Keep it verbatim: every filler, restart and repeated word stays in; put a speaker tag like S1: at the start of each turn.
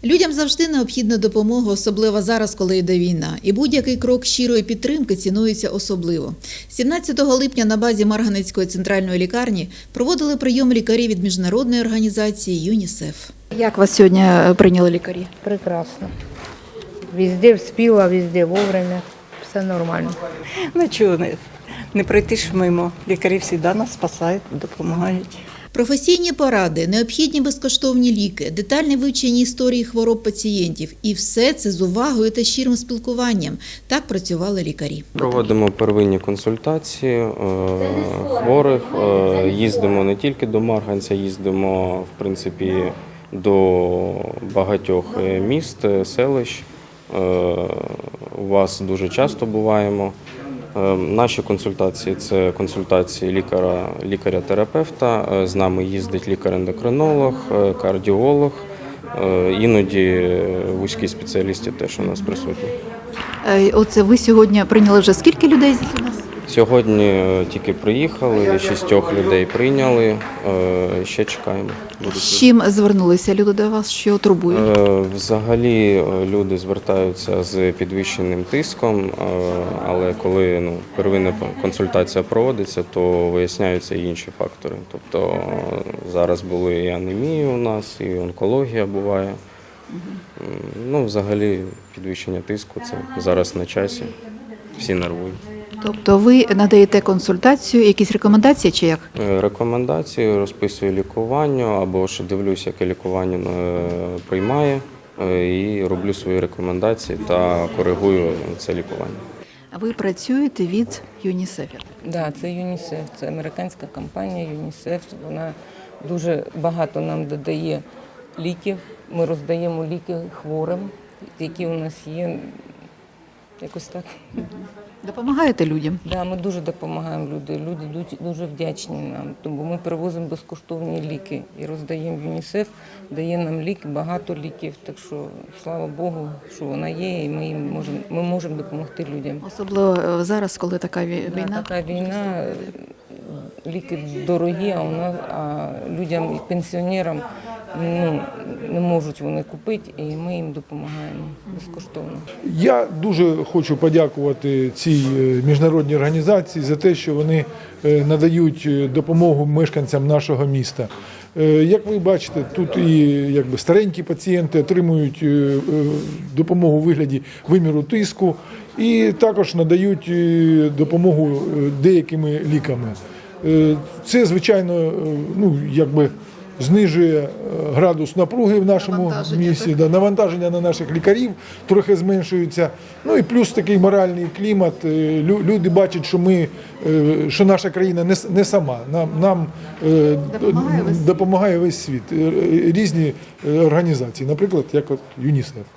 S1: Людям завжди необхідна допомога, особливо зараз, коли йде війна. І будь-який крок щирої підтримки цінується особливо. сімнадцятого липня на базі Марганецької центральної лікарні проводили прийом лікарів від міжнародної організації ЮНІСЕФ. Як вас сьогодні прийняли лікарі?
S2: Прекрасно. Везде вспіла, везде вовремя. Все нормально.
S3: Ну чого не, не пройти ж мимо. Лікарі завжди нас спасають, допомагають.
S1: Професійні поради, необхідні безкоштовні ліки, детальне вивчення історії хвороб пацієнтів. І все це з увагою та щирим спілкуванням. Так працювали лікарі.
S4: Проводимо первинні консультації е, хворих, е, їздимо не тільки до Марганця, їздимо, в принципі, до багатьох міст, селищ. Е, у вас дуже часто буваємо. Наші консультації – це консультації лікаря, лікаря-терапевта, з нами їздить лікар-ендокринолог, кардіолог, іноді вузькі спеціалісти теж у нас присутні.
S1: Оце ви сьогодні прийняли вже скільки людей у нас?
S4: Сьогодні тільки приїхали, шістьох людей прийняли, ще чекаємо.
S1: З чим звернулися люди до вас, що турбує?
S4: Взагалі люди звертаються з підвищеним тиском, але коли ну, первинна консультація проводиться, то виясняються і інші фактори. Тобто зараз були і анемія у нас, і онкологія буває. Ну, взагалі підвищення тиску – це зараз на часі, всі нервують.
S1: Тобто ви надаєте консультацію, якісь рекомендації чи як?
S4: Рекомендації, розписую лікування або ж дивлюсь, яке лікування приймає і роблю свої рекомендації та коригую це лікування.
S1: Ви працюєте від ЮНІСЕФ?
S2: Да, це ЮНІСЕФ, це американська компанія ЮНІСЕФ. Вона дуже багато нам додає ліків. Ми роздаємо ліки хворим, які у нас є. Якось так.
S1: Допомагаєте людям?
S2: Да, ми дуже допомагаємо людям. Люди дуже вдячні нам, тому ми привозимо безкоштовні ліки і роздаємо ЮНІСЕФ, дає нам ліки, багато ліків. Так що, слава Богу, що вона є, і ми їм можемо, ми можемо допомогти людям.
S1: Особливо зараз, коли така війна?
S2: Да, така війна, ліки дорогі, а у нас а людям і пенсіонерам ну, не можуть вони купити, і ми їм допомагаємо безкоштовно.
S5: Я дуже хочу подякувати цій міжнародній організації за те, що вони надають допомогу мешканцям нашого міста. Як ви бачите, тут і якби, старенькі пацієнти отримують допомогу у вигляді виміру тиску і також надають допомогу деякими ліками. Це, звичайно, ну, якби, знижує градус напруги в нашому
S1: навантаження,
S5: місті, да, навантаження на наших лікарів трохи зменшується. Ну і плюс такий моральний клімат. Люди бачать, що ми, що наша країна не, не сама. Нам, нам допомагає весь, допомагає весь світ. Різні організації, наприклад, як от ЮНІСЕФ.